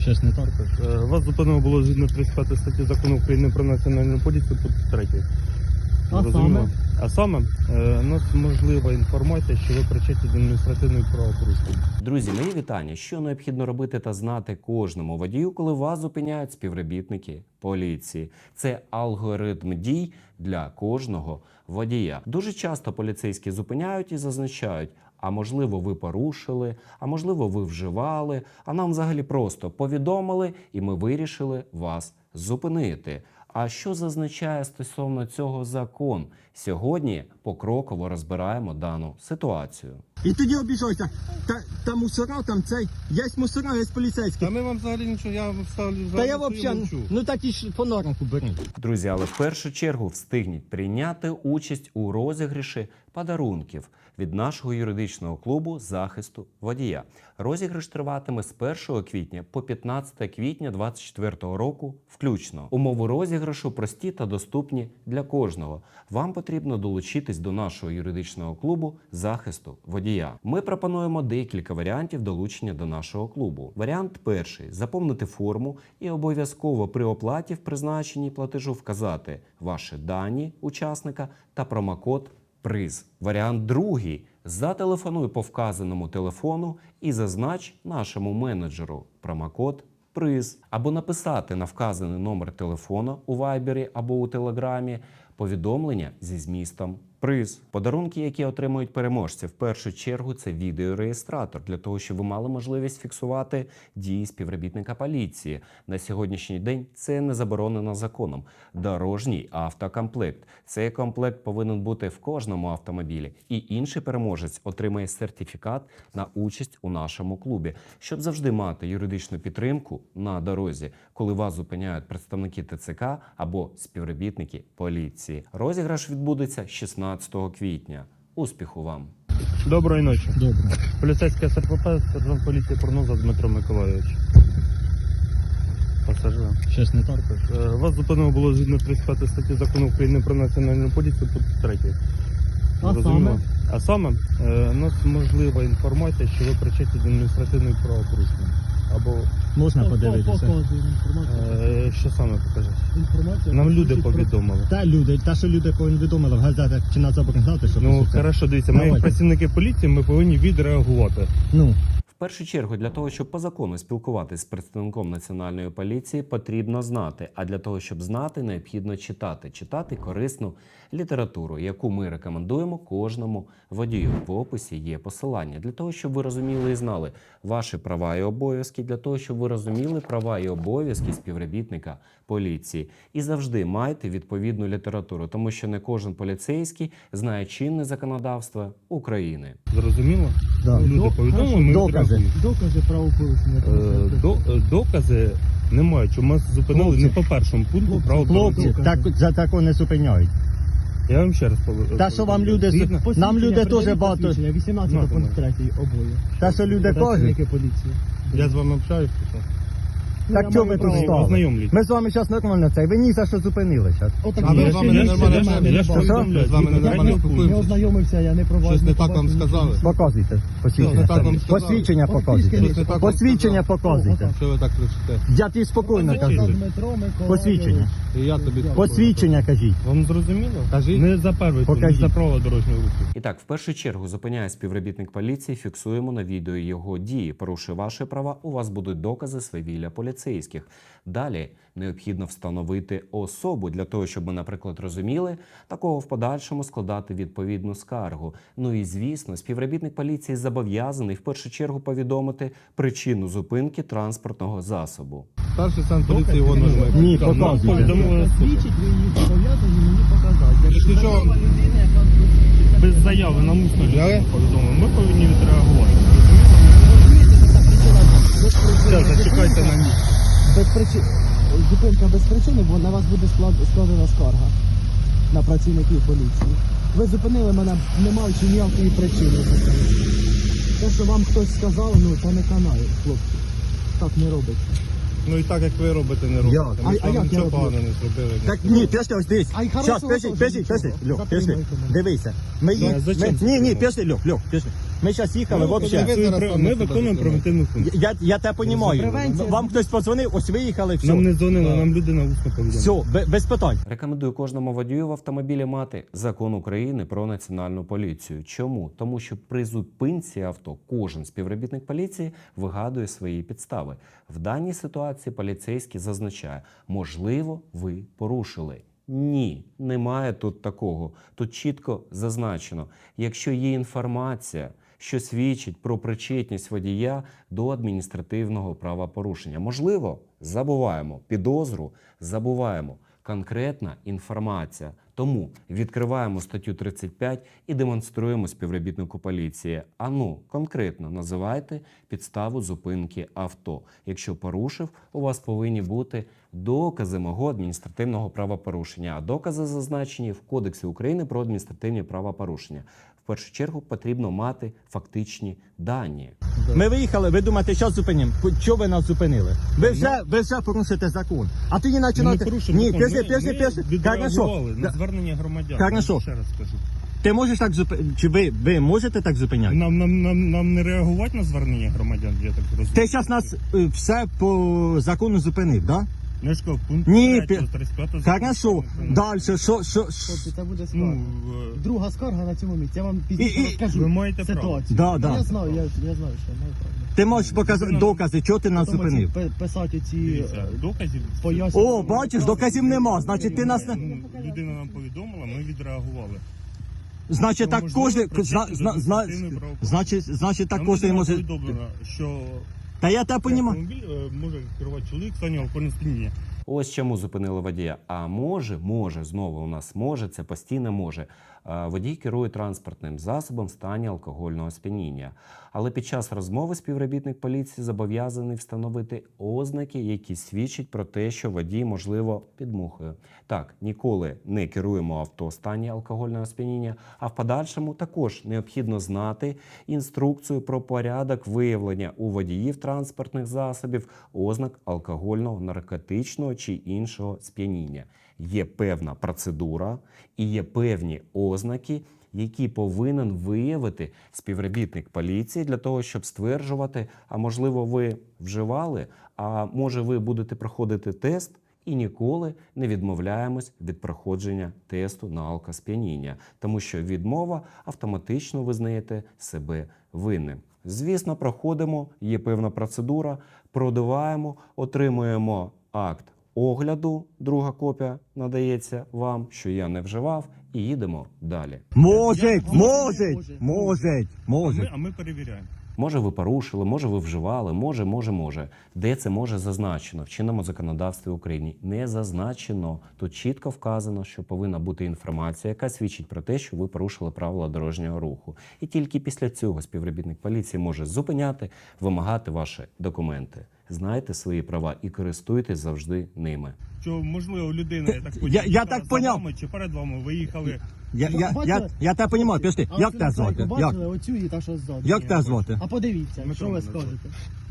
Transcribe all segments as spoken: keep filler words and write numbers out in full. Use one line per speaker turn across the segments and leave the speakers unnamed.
Щось не так?
Е, Вас зупинено було згідно тридцять п'ятої статті Закону України про національну поліцію, пункт третій.
А
Зрозуміло?
саме?
А саме, е, у нас можлива інформація, що ви причетні до адміністративної правопорушення.
Друзі, мої вітання. Що необхідно робити та знати кожному водію, коли вас зупиняють співробітники поліції? Це алгоритм дій для кожного водія. Дуже часто поліцейські зупиняють і зазначають: а можливо, ви порушили, а можливо, ви вживали, а нам взагалі просто повідомили, і ми вирішили вас зупинити. А що зазначає стосовно цього закон? Сьогодні покроково розбираємо дану ситуацію.
І тоді обіжайся. Та, та мусора, там цей, є мусора, є поліцейські.
Та ми вам взагалі нічого, я вам ставлю
Та
взагалі
я
свою
взагалі,
мовчу.
ну так і ж фонарнику беріть.
Друзі, але в першу чергу встигніть прийняти участь у розіграші подарунків від нашого юридичного клубу захисту водія. Розіграш триватиме з першого квітня по п'ятнадцяте квітня двадцять четвертого року включно. Умови розіграшу прості та доступні для кожного. Вам потрібно долучитись до нашого юридичного клубу захисту водія. Ми пропонуємо декілька варіантів долучення до нашого клубу. Варіант перший – заповнити форму і обов'язково при оплаті в призначенні платежу вказати ваші дані учасника та промокод приз. Варіант другий – зателефонуй по вказаному телефону і зазнач нашому менеджеру промокод приз. Або написати на вказаний номер телефону у вайбері або у телеграмі повідомлення зі змістом приз. Подарунки, які отримують переможці, в першу чергу це відеореєстратор, для того, щоб ви мали можливість фіксувати дії співробітника поліції. На сьогоднішній день це не заборонено законом. Дорожній автокомплект. Цей комплект повинен бути в кожному автомобілі. І інший переможець отримає сертифікат на участь у нашому клубі, щоб завжди мати юридичну підтримку на дорозі, коли вас зупиняють представники ТЦК або співробітники поліції. Розіграш відбудеться шістнадцятого квітня. Успіху вам!
Доброї ночі.
Добре.
Поліцейський СРПП, сержант поліції Проноза Дмитро Миколайович. Пасажир.
Щось не так?
Е, Вас зупинено було згідно тридцять п'ятої статті Закону України про національну поліцію, пункт третій.
А
Зрозуміло?
саме?
А саме, е, у нас можлива інформація, що ви причетні до адміністративної правопорушення. Або
Можна подивитися?
е, що саме покажеш?
Інформація.
Нам люди повідомили.
Та люди, та що люди повідомили в газетах чи на заборгати, що
Ну,
пишеться.
хорошо, дивіться, ми як
Давайте.
працівники поліції, ми повинні відреагувати.
Ну,
В першу чергу, для того, щоб по закону спілкуватися з представником національної поліції, потрібно знати. А для того, щоб знати, необхідно читати. Читати корисну літературу, яку ми рекомендуємо кожному водію. В описі є посилання. Для того, щоб ви розуміли і знали ваші права і обов'язки, для того, щоб ви розуміли права і обов'язки співробітника поліції. І завжди майте відповідну літературу, тому що не кожен поліцейський знає чинне законодавство України.
Зрозуміло?
да.
Люди повідомили, ми
Докази.
відреагуємо.
Докази правопорушення.
Е, до, е, докази немає, чому нас зупинили
Хлопці.
не по першому пункту
Хлопці,
правил
Хлопці,
дорожнього руху.
так, за тако не зупиняють.
Я вам ще раз повідомляю.
Та що вам люди, з- нам люди дуже багато.
вісімнадцятий
Ну,
пункт третій обоє.
Та що люди кажуть,
Працівники поліції.
Я з вами общаюсь, чи що?
так
я
чого
маю
ви тут
право
стали?
Ознайомлюсь.
Ми з вами зараз нормально цей, ви ні за що зупинили зараз.
Отак,
А ми
я
з вами
ще-
не
я ще
нормально
до мене
общаємося.
не
Я ж
бачив.
повідомляю,
з вами не
я
нормально
не
Не
спілкуємося.
ознайомився, я не проваджу.
Щось не так вам сказали?
Показуйте, посвідчення.
Щось не так вам сказали?
Посвідчення
Щось
показуйте.
не так вам
Посвідчення
сказали?
показуйте.
Що ви так кричите?
Я тобі спокійно кажу.
Дмитро Миколайович.
Посвідчення.
І я тобі
Посвідчення кажіть.
Вам зрозуміло?
Кажіть.
Не за перший, не
Покажіть.
за правила дорожнього руху.
І так, в першу чергу зупиняє співробітник поліції, фіксуємо на відео його дії. Порушує ваші права, у вас будуть докази свавілля поліцейських. Далі необхідно встановити особу для того, щоб ми, наприклад, розуміли, такого в подальшому складати відповідну скаргу. Ну і, звісно, співробітник поліції зобов'язаний в першу чергу повідомити причину зупинки транспортного засобу.
Старший сержант поліції його нажме.
Ні,
Так, нам
показуйте.
повідомили особу.
Свідчить, ви її зобов'язані мені показати. Я
Якщо що,
людина, яка
Без заяви на усно
Я?
повідомили. Ми повинні відреагувати. Все, зачекайте на місці.
без причин, зупинка без причини, бо на вас буде склад- складена скарга на працівників поліції. Ви зупинили мене, не маючи ніякої причини зупинити. Те, що вам хтось сказав, ну то не канає, хлопці. Так не робиться.
Ну і так, як ви робите, не робите.
Як?
Ми
А-
ж
а
вам
як я
нічого
роблю?
поганого не зробили.
Так ні, пішли ось дивись.
А й
Зараз,
хорошого
пішли,
теж
пішли,
нічого.
пішли. Льох,
Затримайте
пішли.
мене.
Дивися. Ми
Ну,
їх...
а зачем
ми- Ні, ні,
затримувати?
пішли, Льох, Льох, пішли. Ми зараз їхали,
Ну,
взагалі.
ви зараз там
Ми
на
виконуємо
себе
превентивну функцію.
Я, я тебе розумію.
Превенція.
Вам хтось подзвонив, ось виїхали, все.
Нам не дзвонили, нам людина усно повідомила.
Все, бе- без питань.
Рекомендую кожному водію в автомобілі мати закон України про національну поліцію. Чому? Тому що при зупинці авто кожен співробітник поліції вигадує свої підстави. В даній ситуації поліцейський зазначає, можливо, ви порушили. Ні, немає тут такого. Тут чітко зазначено, якщо є інформація, що свідчить про причетність водія до адміністративного правопорушення. Можливо, забуваємо підозру, забуваємо конкретна інформація. Тому відкриваємо статтю тридцять п'ять і демонструємо співробітнику поліції. Ану, конкретно називайте підставу зупинки авто. Якщо порушив, у вас повинні бути докази мого адміністративного правопорушення. А докази зазначені в Кодексі України про адміністративні правопорушення. В першу чергу потрібно мати фактичні дані.
Ми виїхали, ви думаєте, зараз зупинимо. Чого ви нас зупинили? Ви вже, ви вже порушите закон. А тоді
Ми не
починаєте...
порушуємо
Ні,
закон.
пиши,
Ми-
пиши,
ми
пиши.
відреагували
Хорошо.
на звернення громадян.
Хорошо.
Ще раз скажу.
Ти можеш так зупиняти? Чи ви, ви можете так зупиняти?
Нам, нам, нам, нам не реагувати на звернення громадян, я так розумію.
Ти зараз нас е, все по закону зупинив, так?
Не ж кажу, пункт
Ні,
третього,
пі-
тридцять п'ятого
Да? Хорошо.
закону.
Далі, що, що, що?
Хлопці, це буде
Ну,
скарга.
е,
Друга скарга на цьому місці. Я вам
І- і-
пізніше розкажу
ви маєте право.
ситуацію.
Да, да.
Я знаю, я, я знаю, що я маю право.
Ти можеш показати докази, чого ти нас
Потім
зупинив.
оці пи- писати ці
дивіться, доказів.
пояснення.
О, бачиш, доказів нема. Значить, ти нас не...
Ну, людина нам повідомила, ми відреагували.
Значить,
Ну,
так
можливо,
кожен...
причетний
Зна,
до
зна,
адміністративної правопорушення.
значить, значить, так
Нам
кожен
людина
може...
повідомлена, що
Та я тебе розумію.
автомобіль е, може керувати чоловік в стані алкогольного сп'яніння.
Ось чому зупинили водія. А може, може, знову у нас може, це постійно може. А, Водій керує транспортним засобом в стані алкогольного сп'яніння. Але під час розмови співробітник поліції зобов'язаний встановити ознаки, які свідчать про те, що водій, можливо, під мухою. Так, ніколи не керуємо авто в стані алкогольного сп'яніння, а в подальшому також необхідно знати інструкцію про порядок виявлення у водіїв транспортних засобів ознак алкогольного, наркотичного чи іншого сп'яніння. Є певна процедура і є певні ознаки, які повинен виявити співробітник поліції для того, щоб стверджувати, а можливо ви вживали, а може ви будете проходити тест, і ніколи не відмовляємось від проходження тесту на алкосп'яніння, тому що відмова автоматично визнаєте себе винним. Звісно, проходимо, є певна процедура, продуваємо, отримуємо акт огляду, друга копія надається вам, що я не вживав, і їдемо далі.
Може,
Я-
може,
може.
може,
А ми,
може.
а ми перевіряємо.
Може, ви порушили, може, ви вживали, може, може, може. Де це може зазначено? В чинному законодавстві України не зазначено. Тут чітко вказано, що повинна бути інформація, яка свідчить про те, що ви порушили правила дорожнього руху. І тільки після цього співробітник поліції може зупиняти, вимагати ваші документи. Знайте свої права і користуйтесь завжди ними.
Що, можливо, людина, я так
Я-
поняв,
я
їхала
так
за
поняв.
вами чи перед вами виїхали.
Я, я, я,
Бачили?
я тебе розумію, пішли.
А
Як
оцю
тебе звати?
наклейку
Як?
бачили? Оцю і та, що ззаду.
Як тебе звати?
А подивіться,
Дмитро
що ви
мене звати.
скажете.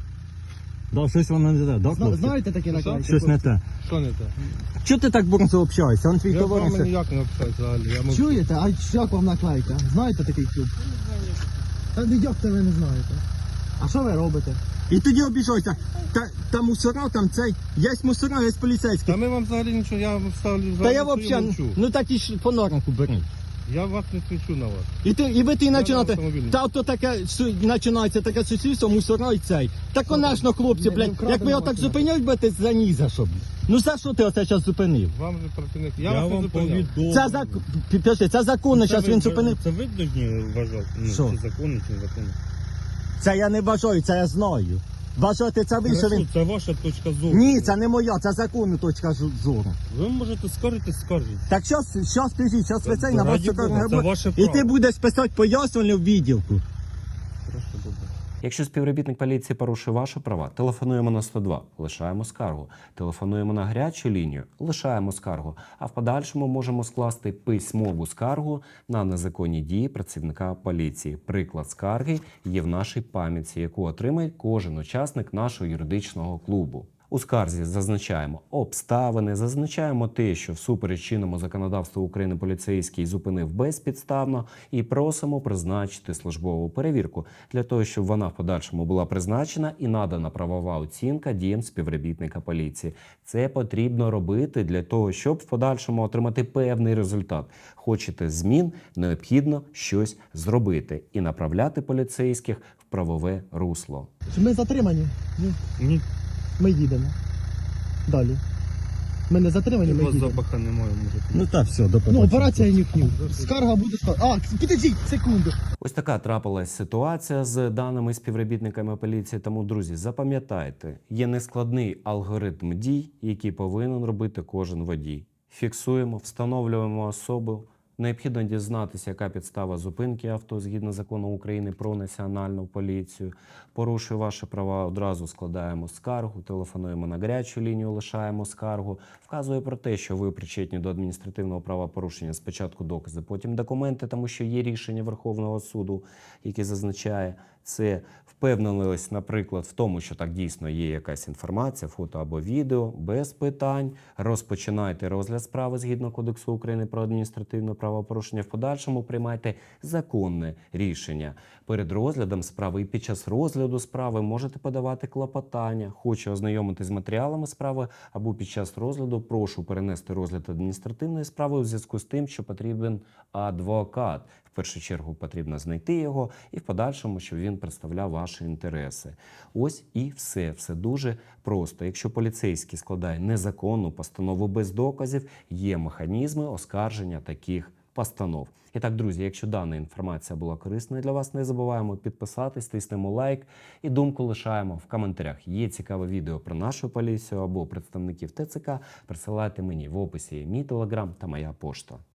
Да, щось воно не те, да,
Зна-
хлопці?
Знаєте такі наклейки?
Щось не те.
Що не те?
Чого ти так бурно общаєшся? Он твій
Я з вами
товариш.
ніяк не общаюсь взагалі. Я мовчу.
Чуєте? А як вам наклейка? Знаєте такий клуб? Та ну як це ви не знаєте? А що ви робите?
І тоді обіжайся. Та, та мусора, там цей, є мусора, є поліцейські.
Та ми вам взагалі нічого, я вам ставлю взагалі.
Та я
свою
взагалі,
мовчу.
ну так і ж по норнику беріть.
Я вас не кричу на вас.
І ти, і ви ти
на
починаєте,
автомобілі.
та то таке, су- починається таке сусідство, мусора і цей. Та, конечно, хлопці,
Не- не
блядь,
вкрадена
як ви отак
машина.
зупиняють, будете за ні за що. Ну за що ти оце зараз зупинив?
Вам же працівник. Я,
Я,
вас не
вам
зупиняв.
повідомлю.
Це зак... Підпиши, це законно, зараз
ви-
він зупинив.
Це ви повинні вважати? Ну,
Що?
чи законно, чи незаконно?
Це я не бажаю, це я знаю. Бажати це ви, що
Хорошо,
він...
це ваша точка зору.
Ні, це не моя, це законна точка з- зору.
Ви можете скаржити, скаржіть.
Так що, що скажіть, що ви цей на вас
Раді
чекає
Бога, це ваше
І
право.
ти будеш писати пояснювальну в відділку.
Хорошо, добре.
Якщо співробітник поліції порушує ваші права, телефонуємо на сто два, лишаємо скаргу. Телефонуємо на гарячу лінію, лишаємо скаргу. А в подальшому можемо скласти письмову скаргу на незаконні дії працівника поліції. Приклад скарги є в нашій пам'ятці, яку отримає кожен учасник нашого юридичного клубу. У скарзі зазначаємо обставини, зазначаємо те, що всупереч чинному законодавству України поліцейський зупинив безпідставно, і просимо призначити службову перевірку для того, щоб вона в подальшому була призначена і надана правова оцінка діям співробітника поліції. Це потрібно робити для того, щоб в подальшому отримати певний результат. Хочете змін, необхідно щось зробити і направляти поліцейських в правове русло.
Ми затримані? Ні.
Ні,
Ми їдемо. Далі. Ми не затримані,
у
ми
вас
їдемо.
запаха немає, може.
Ну так, все, до побачення.
Ну, операція нюх-нюх. Скарга буде скарга. А, підождіть, секунду.
Ось така трапилась ситуація з даними співробітниками поліції. Тому, друзі, запам'ятайте, є нескладний алгоритм дій, який повинен робити кожен водій. Фіксуємо, встановлюємо особу. Необхідно дізнатися, яка підстава зупинки авто згідно закону України про національну поліцію. Порушує ваші права, одразу складаємо скаргу, телефонуємо на гарячу лінію, лишаємо скаргу. Вказує про те, що ви причетні до адміністративного правопорушення. Спочатку докази, потім документи, тому що є рішення Верховного суду, яке зазначає це. Впевнились, наприклад, в тому, що так дійсно є якась інформація, фото або відео, без питань. Розпочинайте розгляд справи згідно Кодексу України про адміністративне правопорушення. В подальшому приймайте законне рішення. Перед розглядом справи і під час розгляду справи можете подавати клопотання. Хочу ознайомитись з матеріалами справи або під час розгляду прошу перенести розгляд адміністративної справи у зв'язку з тим, що потрібен адвокат. В першу чергу потрібно знайти його і в подальшому, щоб він представляв ваші інтереси. Ось і все. Все дуже просто. Якщо поліцейський складає незаконну постанову без доказів, є механізми оскарження таких постанов. І так, друзі, якщо дана інформація була корисною для вас, не забуваємо підписатись, тиснемо лайк і думку лишаємо в коментарях. Є цікаве відео про нашу поліцію або представників Т Ц К, присилайте мені в описі мій телеграм та моя пошта.